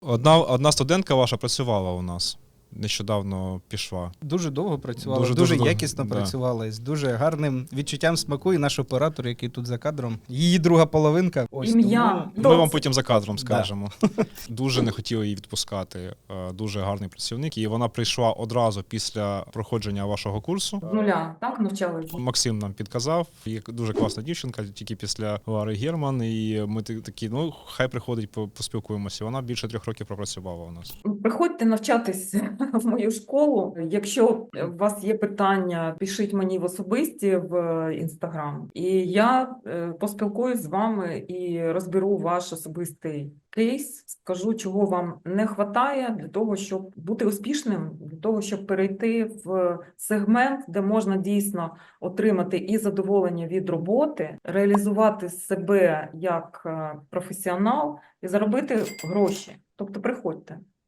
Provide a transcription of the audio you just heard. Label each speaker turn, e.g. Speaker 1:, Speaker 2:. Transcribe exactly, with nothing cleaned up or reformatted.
Speaker 1: Одна, одна студентка ваша працювала у нас. Нещодавно пішла.
Speaker 2: Дуже довго працювала,
Speaker 1: Дуже,
Speaker 2: дуже,
Speaker 1: дуже
Speaker 2: якісно
Speaker 1: довго, да.
Speaker 2: працювала, з дуже гарним відчуттям смаку, і наш оператор, який тут за кадром, її друга половинка. Ось
Speaker 3: Ім'я.
Speaker 2: тому-
Speaker 1: Ми вам потім за кадром
Speaker 2: Да.
Speaker 1: скажемо. Дуже не хотіли її відпускати. Е, Дуже гарний працівник. І вона прийшла одразу після проходження вашого курсу.
Speaker 3: З нуля, так, навчалися?
Speaker 1: Максим нам підказав. Є дуже класна дівчинка, тільки після Лари Герман. І ми та- такі, ну, хай приходить, по- поспілкуємося. Вона більше трьох років пропрацювала у нас.
Speaker 3: Приходьте навчатись в мою школу. Якщо у вас є питання, пишіть мені в особисті в інстаграм, і я е, поспілкуюсь з вами і розберу ваш особистий кейс, скажу, чого вам не вистачає для того, щоб бути успішним, для того, щоб перейти в сегмент, де можна дійсно отримати і задоволення від роботи, реалізувати себе як е, професіонал і заробити гроші. Тобто приходьте.